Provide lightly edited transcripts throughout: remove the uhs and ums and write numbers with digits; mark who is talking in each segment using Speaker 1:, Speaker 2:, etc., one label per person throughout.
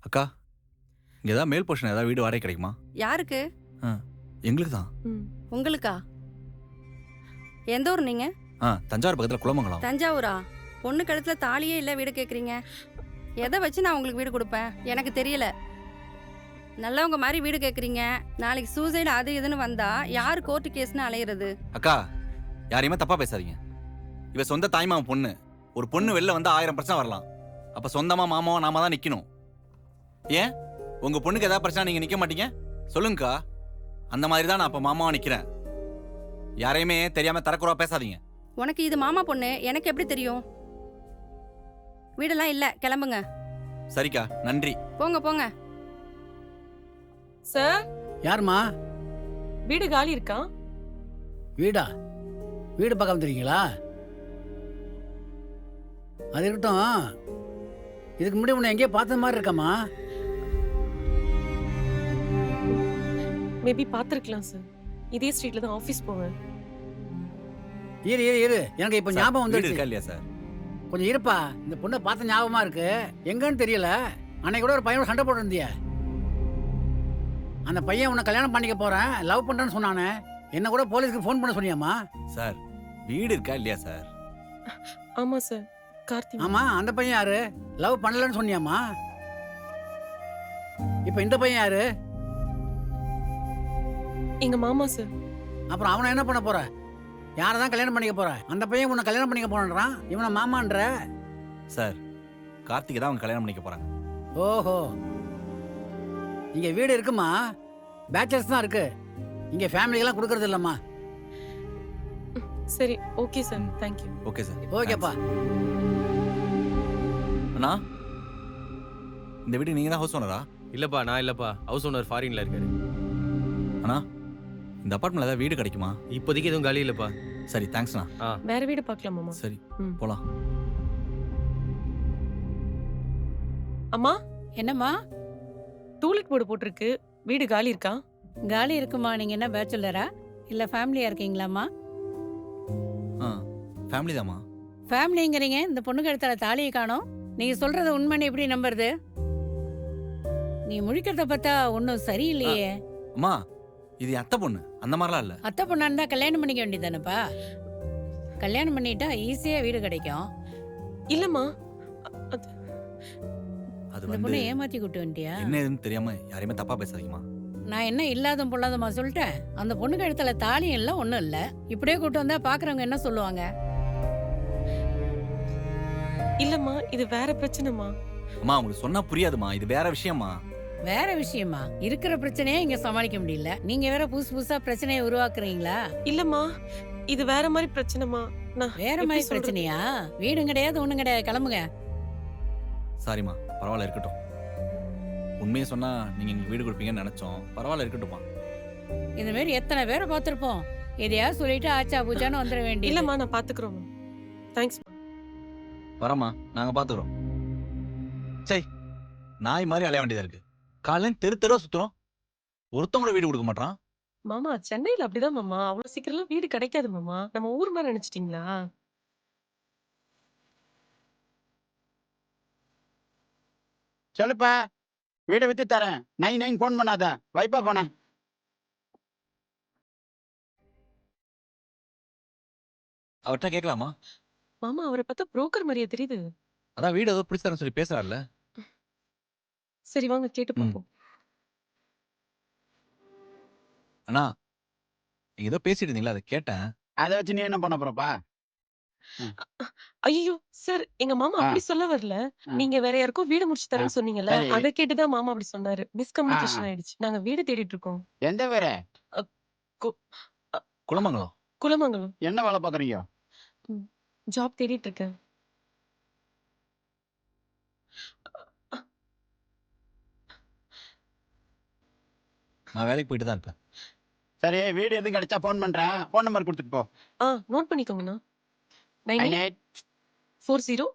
Speaker 1: அக்கா, இங்க ஏதாவது மேல் போர்ஷன் ஏதாவது வீடு வாடகை கிடைக்குமா?
Speaker 2: யாருக்கு?
Speaker 1: ஆ, எங்களுக்கு தான்.
Speaker 2: உங்களுக்கா? எந்த ஊர் நீங்க?
Speaker 1: தஞ்சாவூர் பக்கத்துல குளமங்கலம்.
Speaker 2: தஞ்சாவூரா? பொண்ணு கழுத்துல தாலியே இல்ல வீடு கேக்குறீங்க. எதை வச்சு நான் உங்களுக்கு வீடு கொடுப்பேன்? எனக்கு தெரியல. நல்லவங்க மாதிரி வீடு கேக்குறீங்க. நாளைக்கு சூசைடு அது இதுன்னு வந்தா யாரு கோர்ட்டு கேஸ்னு அலையிறது?
Speaker 1: அக்கா, யாரையுமே தப்பா பேசாதீங்க. இவ சொந்த தாய்மாமன் பொண்ணு. ஒரு பொண்ணு வெளில வந்தா 1000 பிரச்சனை வரலாம். அப்ப சொந்தமா மாமாவா நாம தான் நிக்கணும். ஏன் உங்க பொண்ணுக்கு ஏதாவது பிரச்சனை நீங்க நிக்க மாட்டீங்க? சொல்லுங்கக்கா. அந்த மாதிரி தான் நான் அப்ப மாமாவா நிக்கிறேன். யாரையுமே தெரியாம தரக்குறவா பேசாதீங்க.
Speaker 2: உனக்கு இது மாமா பொண்ணு, எனக்கு எப்படி தெரியும்? வீடெல்லாம் இல்ல, கிளம்புங்க.
Speaker 1: சரிக்கா, நன்றி.
Speaker 2: போங்க போங்க.
Speaker 3: சார்,
Speaker 4: யாரும்மா?
Speaker 3: வீடு காலி இருக்கா?
Speaker 4: வீடா? வீடு பார்க்க வந்துருக்கீங்களா? அது இருக்கட்டும். இதுக்கு முன்னாடி உன்னை எங்கேயோ பார்த்த மாதிரி இருக்கம்மா.
Speaker 3: மேபி பார்த்துருக்கலாம் சார். இதே ஸ்ட்ரீட்ல தான் ஆஃபீஸ் போவேன்.
Speaker 4: இரு இரு இரு, எனக்கு இப்போ ஞாபகம்
Speaker 1: வீடு இருக்கா
Speaker 4: வந்துருச்சு.
Speaker 1: இல்லையா சார்?
Speaker 4: கொஞ்சம் இருப்பா, இந்த பொண்ணை பார்த்த ஞாபகமா இருக்கு. எங்கன்னு தெரியல. அன்னைக்கு கூட ஒரு பையனோட சண்டை போட்டுருந்திய. அந்த பையன் உன்னை கல்யாணம் பண்ணிக்க போறேன், லவ் பண்றேன்னு சொன்னானே. என்ன கூட போலீஸ்க்கு ஃபோன் பண்ண சொன்னியாம்மா?
Speaker 1: சார், வீடு இருக்கா இல்லையா சார்?
Speaker 3: ஆமா சார், கார்த்தி.
Speaker 4: ஆமா, அந்த பையன் யாரு? லவ் பண்ணலன்னு சொன்னியாம்மா? இப்போ இந்த பையன் யாரு?
Speaker 3: எங்க மாமா சார்.
Speaker 4: அப்புறம் அவனை என்ன பண்ண போற? யாரை தான் கல்யாணம் பண்ணிக்க போற? அந்த பையன் உன்னை கல்யாணம் பண்ணிக்க போறான், இவனை மாமான்ற.
Speaker 1: சார், கார்த்திகை தான் அவங்க கல்யாணம் பண்ணிக்க போறாங்க.
Speaker 4: ஓஹோ, இங்க வீடு இருக்குமா? பேச்சலர்ஸ் தான் இருக்கு. இங்க ஃபேமிலிக்கெல்லாம் கொடுக்கறது இல்லம்மா.
Speaker 3: சரி, okay sir, thank you.
Speaker 1: Okay sir.
Speaker 4: ஓகேப்பா.
Speaker 1: அண்ணா, இந்த வீடு நீங்க தான் ஹவுஸ் ஓனரா?
Speaker 5: இல்லப்பா, நான் இல்லப்பா. ஹவுஸ் ஓனர் ஃபாரின்ல இருக்காரு.
Speaker 1: அண்ணா, இந்த அபார்ட்மெண்ட்ல ஏதாவது வீடு கிடைக்குமா?
Speaker 5: இப்போதைக்கு எதுவும் காலி இல்லப்பா.
Speaker 1: சரி, தேங்க்ஸ்ண்ணா.
Speaker 3: வேற வீடு பார்க்கலாம் மாமா.
Speaker 1: சரி,
Speaker 3: ம்.
Speaker 1: போலாம்.
Speaker 3: அம்மா,
Speaker 6: என்னம்மா?
Speaker 3: டூலெட் போர்டு போட்டிருக்கு. வீடு காலி இருக்கா?
Speaker 6: காலி இருக்குமா? நீங்க என்ன பேச்சுலரா இல்ல ஃபேமிலியா இருக்கீங்களாம்மா?
Speaker 1: ஃபேமிலி தாம்மா.
Speaker 6: ஃபேமிலிங்கிறீங்க, இந்த பொண்ணுக்கு இடத்துல தாலியை காணோம். நீங்க சொல்றது உண்மைன்னு எப்படி நம்புறது? நீ முழிக்கிறத பார்த்தா ஒன்றும் சரியில்லையே.
Speaker 1: அம்மா, இது என் அத்தை பொண்ணு. அந்த மாதிரிலாம் இல்ல.
Speaker 6: அத்தை பொண்ணா இருந்தா கல்யாணம் பண்ணிக்க வேண்டியதானப்பா? கல்யாணம் பண்ணிட்டா ஈஸியா வீடு கிடைக்கும்.
Speaker 3: இல்லம்மா,
Speaker 1: அது
Speaker 6: இந்த
Speaker 1: வந்து
Speaker 6: பொண்ணை ஏமாத்தி கூட்டு வந்துட்டியா?
Speaker 1: என்ன ஏதுன்னு தெரியாம யாரையுமே தப்பா பேசாதீங்கம்மா.
Speaker 6: நான் என்ன இல்லாத பொல்லாதமா சொல்லிட்டேன்? அந்த பொண்ணுக்கு இடத்துல தாலியும் இல்லை, ஒன்றும் இல்லை. இப்படியே கூட்டு வந்தா பாக்குறவங்க என்ன சொல்லுவாங்க?
Speaker 3: இல்லம்மா, இது வேற பிரச்சனைமா.
Speaker 1: அம்மா, உங்களுக்கு சொன்னா புரியாதுமா. இது வேற விஷயமா.
Speaker 6: வேற விஷயமா? இருக்கிற பிரச்சனையே இங்க சமாளிக்க முடியல, நீங்க வேற புதுசு புதுசா பிரச்சனையை உருவாக்குறீங்களா?
Speaker 3: இல்லம்மா, இது வேற மாதிரி பிரச்சனைமா. நான்
Speaker 6: வேற
Speaker 3: எப்படி
Speaker 6: மாதிரி
Speaker 3: சொல்றது?
Speaker 6: பிரச்சனையா? வீடும் கிடையாது, ஒண்ணும் கிடையாது, கிளம்புங்க.
Speaker 1: சாரிம்மா, பரவாயில்ல, இருக்கட்டும். உண்மையை சொன்னா நீங்க எங்களுக்கு வீடு கொடுப்பீங்கன்னு நினைச்சோம். பரவாயில்ல, இருக்கட்டும்மா.
Speaker 6: இந்த மாதிரி எத்தனை பேரை பார்த்திருப்போம். எதையாவது சொல்லிட்டு ஆச்சா பூச்சான்னு வந்துட வேண்டிய.
Speaker 3: இல்லம்மா, நான் பாத்துக்கிறோம். தேங்க்ஸ்.
Speaker 1: வரமா, நாங்க பாத்துக்கிறோம். சரி, நாய் மாதிரி அலைய வேண்டியதா இருக்கு. காலையில தெரு தெருவா சுத்துறோம். ஒருத்தவங்க கூட வீடு கொடுக்க மாட்டான்.
Speaker 3: மாமா, சென்னையில அப்படிதான் மாமா. அவ்வளவு சீக்கிரம் வீடு கிடைக்காது மாமா. நம்ம ஊர் மாதிரி நினைச்சிட்டீங்களா?
Speaker 7: சொல்லுப்பா, வீடை வித்து தரேன். 99 போன் பண்ணாத, வைப்பா போனேன்.
Speaker 1: அவர்கிட்ட கேட்கலாமா?
Speaker 3: மாமா, அவரை பார்த்தா புரோக்கர் மாதிரியே தெரியுது.
Speaker 1: அதான் வீடு ஏதோ பிடிச்சாருன்னு சொல்லி பேசுறாருல்ல.
Speaker 3: சரி, வாங்க கேட்டு பார்ப்போம்.
Speaker 1: அண்ணா, நீங்க ஏதோ பேசிட்டு இருந்தீங்களா, அதை கேட்டேன்.
Speaker 7: அதை வச்சு நீ என்ன பண்ண போறப்பா?
Speaker 3: ஐயோ சார், எங்க மாமா அப்படி சொல்ல வரல. நீங்க வேற யாருக்கும் வீடு முடிச்சு தரேன்னு சொன்னீங்கல்ல,
Speaker 7: சரி.
Speaker 3: அதை கேட்டுதான் மாமா அப்படி சொன்னாரு. மிஸ்கம்யூனிகேஷன் ஆயிடுச்சு. நாங்க வீடு தேடிட்டு இருக்கோம்.
Speaker 7: எந்த வேற?
Speaker 1: குளமங்கலம்.
Speaker 3: குலமங்கலம்.
Speaker 7: என்ன வேலை பாக்குறீங்க?
Speaker 3: ஜாப் தேடிட்டு இருக்கேன்.
Speaker 1: நான் வேலைக்கு போயிட்டு தான் இருப்பேன்.
Speaker 7: சரி, வீடு எதுவும் கிடைச்சா போன் பண்றேன். போன் நம்பர் கொடுத்துட்டு போ.
Speaker 3: நோட் பண்ணிக்கோங்கண்ணா.
Speaker 7: 98
Speaker 3: 9840.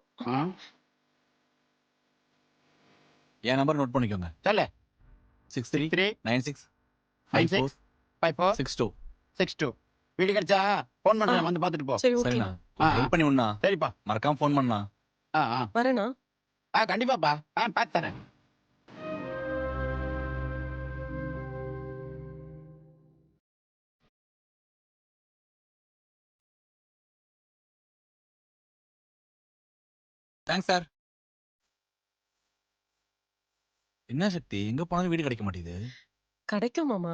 Speaker 1: என் நம்பர் நோட் பண்ணிக்கோங்க.
Speaker 7: சொல்லு.
Speaker 1: 6396
Speaker 7: 56 54
Speaker 1: 62.
Speaker 7: 62. வீடு கிடைச்சா போன் பண்றேன், வந்து பாத்துட்டு போ.
Speaker 3: சரி, ஓகே.
Speaker 1: சரிண்ணா,
Speaker 7: ஆ.
Speaker 1: ஹெல்ப் பண்ணி விடண்ணா.
Speaker 7: சரிப்பா.
Speaker 1: மறக்காம ஃபோன் பண்ணா.
Speaker 7: ஆ
Speaker 3: வரேண்ணா.
Speaker 7: கண்டிப்பாப்பா. பார்த்து தரேன்.
Speaker 1: Thanks sir. என்ன சக்தி, எங்க போனாலும் வீடு கிடைக்க மாட்டேங்குது.
Speaker 3: கிடைக்கும் மாமா.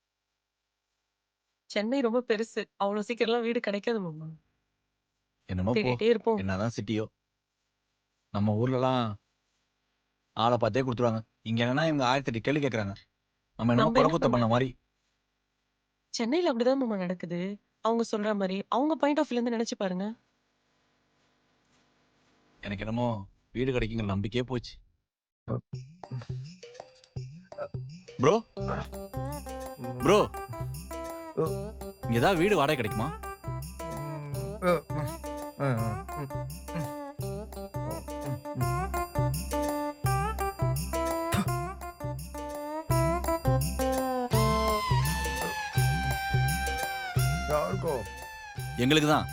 Speaker 3: சென்னை ரொம்ப பெருசு. அவ்வளவு சீக்கிரம்லாம் வீடு கிடைக்காது மாமா.
Speaker 1: என்னமோ போ,
Speaker 3: தேடிட்டே இருப்போம்.
Speaker 1: என்னதான் சிட்டியோ. நம்ம ஊர்லலாம் ஆளை பார்த்தே கொடுத்துருவாங்க. இங்க என்னன்னா இவங்க 1008 கேள்வி கேட்கறாங்க. நம்ம என்னமோ
Speaker 3: நம்ம என்ன
Speaker 1: குறக்குத்த பண்ண மாதிரி.
Speaker 3: சென்னையில அப்படிதான் மாமா நடக்குது. அவங்க சொல்ற மாதிரி அவங்க பாயிண்ட் ஆஃப் வியூல இருந்து நினைச்சு பாருங்க.
Speaker 1: எனக்கு என்னமோ வீடு கிடைக்குங்கிற நம்பிக்கையே போச்சு. ப்ரோ ப்ரோ, இங்க ஏதாவது வீடு வாடகை கிடைக்குமா? எங்களுக்கு தான்.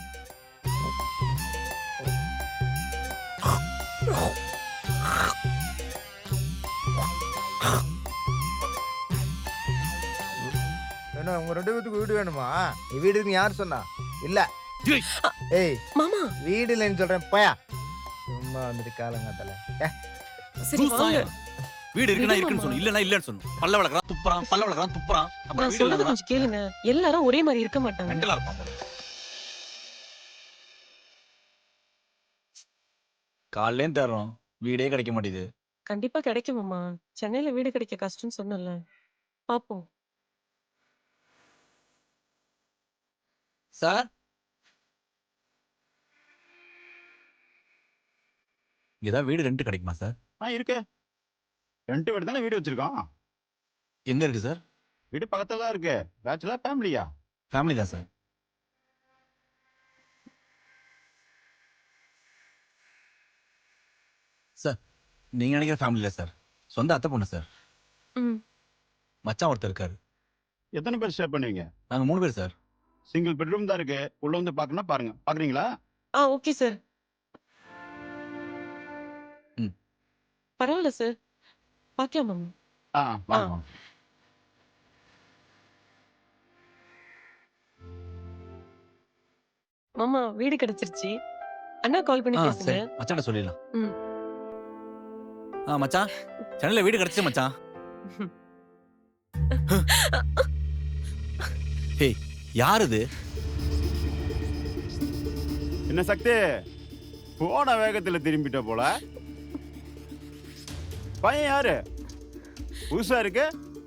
Speaker 8: என்ன உங்க 2 பேத்துக்கு வீடு வேணுமா? நீ வீடு இருக்குன்னு யார் சொன்னா? இல்ல.
Speaker 1: ஏய்.
Speaker 8: ஏய்,
Speaker 3: மாமா
Speaker 8: வீடு இல்லைன்னு சொல்றேன் போயா. சும்மா வந்துட்டு காலங்காத்தால.
Speaker 3: சரி வாங்க.
Speaker 1: வீடு இருக்குன்னா
Speaker 3: விடு
Speaker 1: இருக்குன்னு
Speaker 3: மாமா.
Speaker 1: சொல்லணும், இல்லன்னா இல்லன்னு சொல்லணும். பல்ல வளர்க்கறான் துப்புறான், பல்ல வளர்க்கறான் துப்புறான். அப்புறம்
Speaker 3: நான்
Speaker 1: வீடு
Speaker 3: சொல்றது
Speaker 1: இல்லைன்னா
Speaker 3: கொஞ்சம் கேளுங்க. எல்லாரும் ஒரே மாதிரி இருக்க மாட்டாங்க.
Speaker 1: மெண்டலா இருப்பான் போல. காலையிலேயும் தேடுறோம், வீடே கிடைக்க மாட்டேங்குது.
Speaker 3: கண்டிப்பா கிடைக்கும் மாமா. சென்னையில வீடு கிடைக்க கஷ்டம்னு சொன்னல. பாப்போம்.
Speaker 1: சார், இங்க ஏதாவது வீடு ரெண்ட் கிடைக்குமா சார்?
Speaker 7: இருக்கு. 2 வீடு தானே வீடு வச்சிருக்கோம்.
Speaker 1: எங்க இருக்கு சார்?
Speaker 7: வீடு பக்கத்துல தான் இருக்கு. பேச்சுலர் ஃபேமிலியா?
Speaker 1: ஃபேமிலி தான் சார். சார், நீங்க நினைக்கிற ஃபேமிலி இல்ல சார். சொந்த அத்தை பொண்ணு சார்.
Speaker 3: ம்.
Speaker 1: மச்சான் ஒருத்தர் இருக்காரு.
Speaker 7: எத்தனை பேர் ஸ்டே பண்ணுவீங்க?
Speaker 1: நாங்க 3 பேர் சார்.
Speaker 7: சிங்கிள் பெட்ரூம் தான் இருக்கு. உள்ள வந்து பார்க்கணும்னா பாருங்க. பாக்குறீங்களா?
Speaker 3: Okay sir.
Speaker 1: ம்.
Speaker 3: பரவாயில்ல சார். பாக்கலாம் மாமா.
Speaker 7: வாங்க வாங்க.
Speaker 3: மாமா வீடு கிடைச்சிருச்சு. அண்ணா கால் பண்ணி பேசுங்க.
Speaker 1: சரி, மச்சான்ட்ட சொல்லிடலாம்.
Speaker 3: ம்.
Speaker 1: மச்சான், சென்னையில வீடு கிடைச்சு மச்சான். ஹேய், யார் இது?
Speaker 7: என்ன சக்தி, போன வேகத்துல திரும்பிட்ட போல. பையன் யாரு? புதுசா இருக்கு.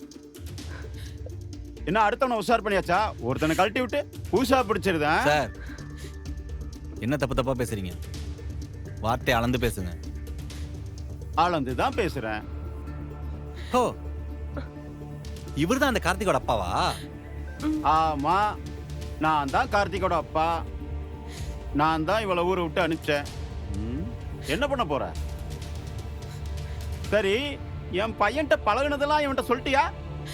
Speaker 7: என்ன அடுத்தவனை உஷார் பண்ணியாச்சா? ஒருத்தனை கழட்டி விட்டு புதுசா பிடிச்சிருதா?
Speaker 1: சார், என்ன தப்பு தப்பா பேசுறீங்க? வார்த்தை அளந்து பேசுங்க.
Speaker 7: ஆளந்து தான் பேசுறேன்.
Speaker 1: ஓ, இவர்தான் அந்த கார்த்திகோட அப்பாவா?
Speaker 7: ஆமா, நான் தான் கார்த்திகோட அப்பா. நான் தான் இவளை ஊரை விட்டு அனுப்பிச்சேன். என்ன பண்ண போற? சரி, என் பையன்கிட்ட பழகுனதெல்லாம் இவன்கிட்ட சொல்லிட்டியா?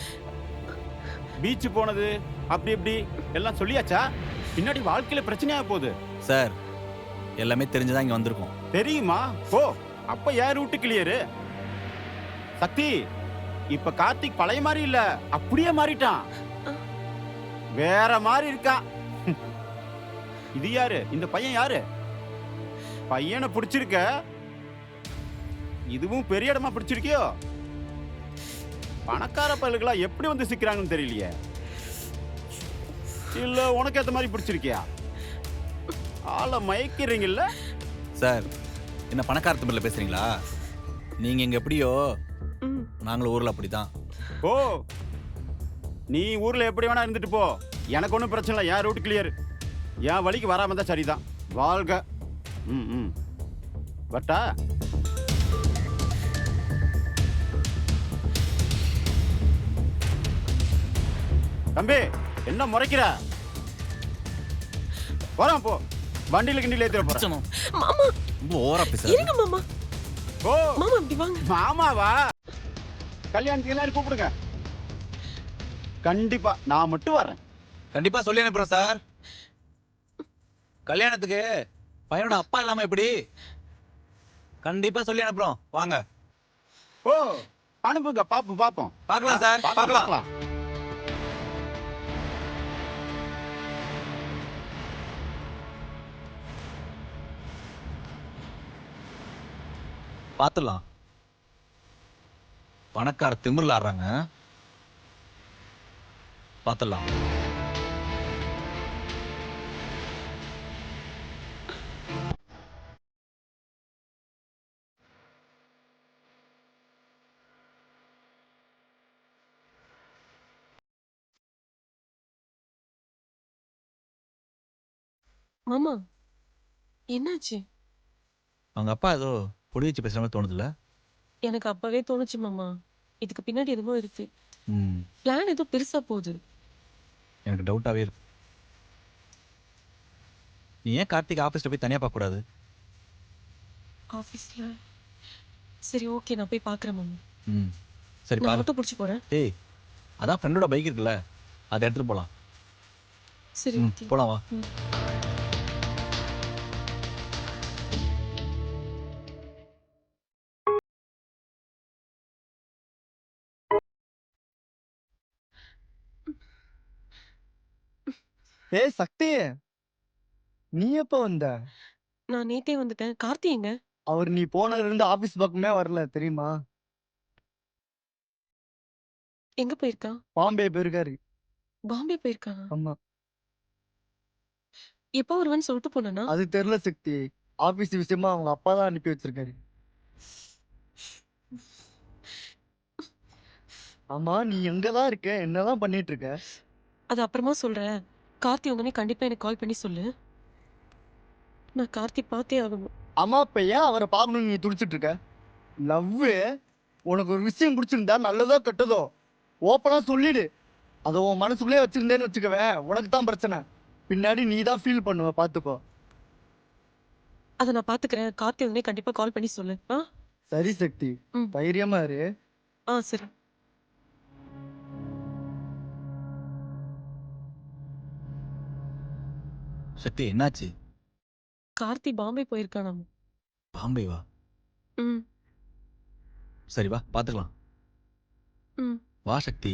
Speaker 7: பீச் போனது அப்படி இப்படி எல்லாம் சொல்லியாச்சா? பின்னாடி வாழ்க்கையில பிரச்சனையா போகுது.
Speaker 1: சார், எல்லாமே தெரிஞ்சுதான் இங்க வந்திருக்கோம்.
Speaker 7: தெரியுமா? ஓ, அப்ப யார் ரூட்டு கிளியரு? சக்தி, இப்ப கார்த்திக் பழைய மாதிரி இல்ல, அப்படியே மாறிட்டான். வேற மாதிரி இருக்கான். இது யாரு? இந்த பையன் யாரு? பையனை பிடிச்சிருக்க? இதுவும் பெரிய இடமா பிடிச்சிருக்கியோ? பணக்கார பயலுகளா எப்படி வந்து சிக்கிறாங்கன்னு தெரியலையே. இல்ல உனக்கு ஏத்த மாதிரி பிடிச்சிருக்கியா? ஆளை மயக்கிறீங்கல்ல
Speaker 1: சார். என்ன பணக்கார திமிரில் பேசுறீங்களா? நீங்க இங்க எப்படியோ நாங்களும் ஊர்ல அப்படிதான்.
Speaker 7: ஓ, நீ ஊர்ல எப்படி வேணா இருந்துட்டு போ, எனக்கு ஒன்றும் பிரச்சனை இல்லை. என் ரூட் கிளியர். என் வழிக்கு வராம தான் சரிதான். வாழ்க. பட்டா தம்பி, என்ன முறைக்கிற? வரான் போ. வண்டியில கிண்டில ஏத்திர போறேன்.
Speaker 3: மாமா
Speaker 1: ரொம்ப ஓவரா பேசுறீங்க.
Speaker 3: இருங்க மாமா.
Speaker 7: ஓ
Speaker 3: மாமா இப்படி வாங்க.
Speaker 7: மாமாவா? கல்யாணத்துக்கு எல்லாரும் கூப்பிடுங்க. கண்டிப்பா நான் மட்டும் வரேன்.
Speaker 1: கண்டிப்பா சொல்லி அனுப்புறோம் சார். கல்யாணத்துக்கு பையனோட அப்பா இல்லாம எப்படி? கண்டிப்பா சொல்லி அனுப்புறோம். வாங்க.
Speaker 7: ஓ, அனுப்புங்க. பாப்போம் பாப்போம்.
Speaker 1: பார்க்கலாம் சார், பார்க்கலாம். பார்த்துடலாம். பணக்கார திமிரில் ஆடுறாங்க. பார்த்துடலாம்.
Speaker 3: மாமா என்னாச்சு?
Speaker 1: அவங்க அப்பா ஏதோ பொடி வச்சு பேசுகிற மாதிரி தோணுதுல்ல?
Speaker 3: எனக்கு அப்பவே தோணுச்சு மாமா. இதுக்கு பின்னாடி எதுவும் இருக்கு.
Speaker 1: ம்,
Speaker 3: பிளான் ஏதோ பெருசா போகுது.
Speaker 1: எனக்கு டவுட்டாகவே இருக்கு. நீ ஏன் கார்த்திக் ஆஃபீஸில் போய் தனியாக பார்க்கக்கூடாது?
Speaker 3: ஆஃபீஸ்ல சரி ஓகே, நான் போய் பார்க்குறேன் மாமா.
Speaker 1: ம், சரி
Speaker 3: நான்
Speaker 1: பாரு.
Speaker 3: ஆட்டோ பிடிச்சி போறேன்.
Speaker 1: ஏய், அதான் ஃப்ரெண்டோட பைக் இருக்குல்ல, அதை எடுத்துகிட்டு போகலாம்.
Speaker 3: சரி
Speaker 1: ம்,
Speaker 3: ஓகே.
Speaker 1: போலாம் வா.
Speaker 3: ம்.
Speaker 8: ஏய் சக்தி, நீ எப்ப வந்த?
Speaker 3: நான் நேத்தே வந்துட்டேன். கார்த்தி எங்க?
Speaker 8: அவர் நீ போனதுல இருந்து ஆபீஸ் பக்கமே வரல தெரியுமா?
Speaker 3: எங்க போயிருக்கான்?
Speaker 8: பாம்பே போயிருக்காரு.
Speaker 3: பாம்பே போயிருக்கானா?
Speaker 8: ஆமா.
Speaker 3: எப்போ வருவான்னு சொல்லிட்டு போனானா?
Speaker 8: அது தெரியல சக்தி. ஆபீஸ் விஷயமா அவங்க அப்பா தான் அனுப்பி வச்சிருக்காரு. ஆமா, நீ எங்கதான் இருக்க? என்னதான் பண்ணிட்டு இருக்க?
Speaker 3: அது அப்புறமா சொல்றேன். கார்த்தி வந்தோடனே கண்டிப்பா எனக்கு கால் பண்ணி சொல்லு. நான் கார்த்தி பார்த்தே ஆகணும்.
Speaker 8: அம்மா இப்ப ஏன் அவரை பார்க்கணும்னு நீ துடிச்சிட்டு இருக்க? லவ் உனக்கு ஒரு விஷயம் பிடிச்சிருந்தா நல்லதோ கெட்டதோ ஓப்பனா சொல்லிடு. அதை உன் மனசுக்குள்ளே வச்சிருந்தேன்னு வச்சுக்கவேன், உனக்கு தான் பிரச்சனை. பின்னாடி நீ தான் ஃபீல் பண்ணுவ, பாத்துக்கோ.
Speaker 3: அதை நான் பாத்துக்கிறேன். கார்த்தி வந்தோடனே கண்டிப்பா கால் பண்ணி சொல்லு. ஆ
Speaker 8: சரி சக்தி,
Speaker 3: ம்.
Speaker 8: தைரியமா இரு.
Speaker 3: ஆ சரி.
Speaker 1: சக்தி என்னாச்சு?
Speaker 3: கார்த்தி பாம்பே போயிருக்கானா?
Speaker 1: பாம்பே வா.
Speaker 3: ம்
Speaker 1: சரி வா, பார்த்துக்கலாம்.
Speaker 3: ம்.
Speaker 1: வா சக்தி.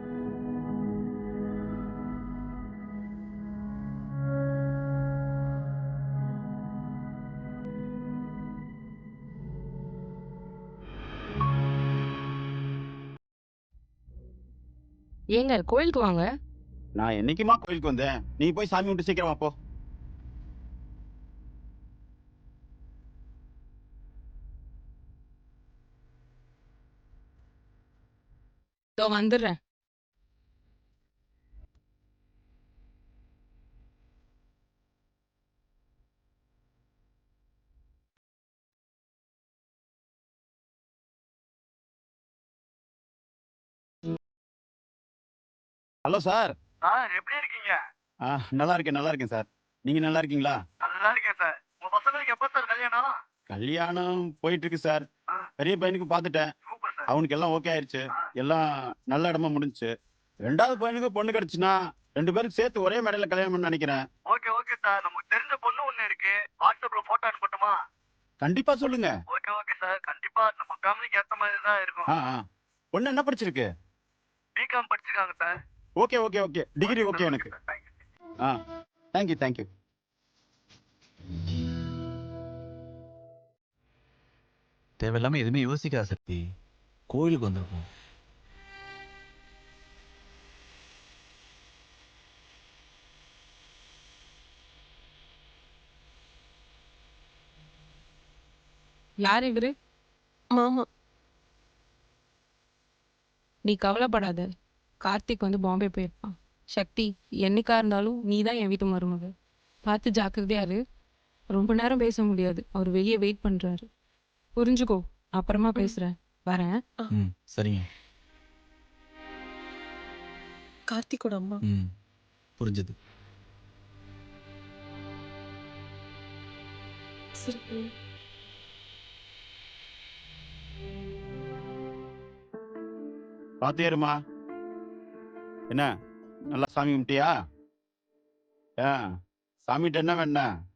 Speaker 9: ஏங்க கோயிலுக்கு வாங்க.
Speaker 7: நான் என்னைக்குமா கோயிலுக்கு வந்தேன்? நீ போய் சாமி விட்டு சீக்கிரமா போ.
Speaker 9: இதோ வந்துடுறேன்.
Speaker 7: Hello sir.
Speaker 8: எப்படி இருக்கீங்க?
Speaker 7: நல்லா இருக்கேன் சார். நீங்க நல்லா இருக்கீங்களா?
Speaker 8: நல்லா இருக்கேன் சார். உங்க பசங்களுக்கு எப்ப சார் கல்யாணம்?
Speaker 7: கல்யாணம் போயிட்டு இருக்கு சார்.
Speaker 8: ஆ.
Speaker 7: பெரிய பையனுக்கு பார்த்துட்டேன்.
Speaker 8: Super sir.
Speaker 7: அவனுக்கு எல்லாம் ஓகே ஆயிருச்சு. எல்லாம் நல்ல இடமா முடிஞ்சுச்சு. ரெண்டாவது பையனுக்கு பொண்ணு கிடைச்சுன்னா 2 பேருக்கு சேர்த்து ஒரே மேடையில கல்யாணம் பண்ண நினைக்கிறேன்.
Speaker 8: Okay okay sir. நமக்கு தெரிஞ்ச பொண்ணு ஒண்ணு இருக்கு. வாட்ஸ்அப்ல போட்டோ அனுப்பட்டுமா?
Speaker 7: கண்டிப்பா சொல்லுங்க.
Speaker 8: Okay okay sir. கண்டிப்பா நம்ம ஃபேமிலிக்கு ஏத்த மாதிரி தான் இருக்கும்.
Speaker 7: பொண்ணு என்ன படிச்சிருக்கு?
Speaker 8: பிகாம் படிச்சிருக்காங்க சார்.
Speaker 7: ஓகே. டிகிரி ஓகே எனக்கு. தேங்க்யூ.
Speaker 1: தேவையில்லாம எதுவுமே யோசிக்காத சக்தி. கோயிலுக்கு வந்திருக்கோம்.
Speaker 9: யார் இவரு?
Speaker 3: மாமா.
Speaker 9: நீ கவலைப்படாத. கார்த்திக் வந்து பாம்பே போயிருப்பான். சக்தி, என்னைக்கா இருந்தாலும் நீ தான் என் வீட்டு மருமக. பார்த்து ஜாக்கிரதையா இரு. ரொம்ப நேரம் பேச முடியாது. அவர் வெளியே வெயிட் பண்றாரு. புரிஞ்சுக்கோ. அப்புறமா பேசுறேன். வரேன்.
Speaker 1: ம், சரிங்க.
Speaker 3: கார்த்திக்கோட அம்மா.
Speaker 1: ம், புரிஞ்சது.
Speaker 3: சரி.
Speaker 7: பாத்தியாருமா? என்ன நல்லா சாமி கும்பிட்டியா? சாமிகிட்ட என்ன வேணா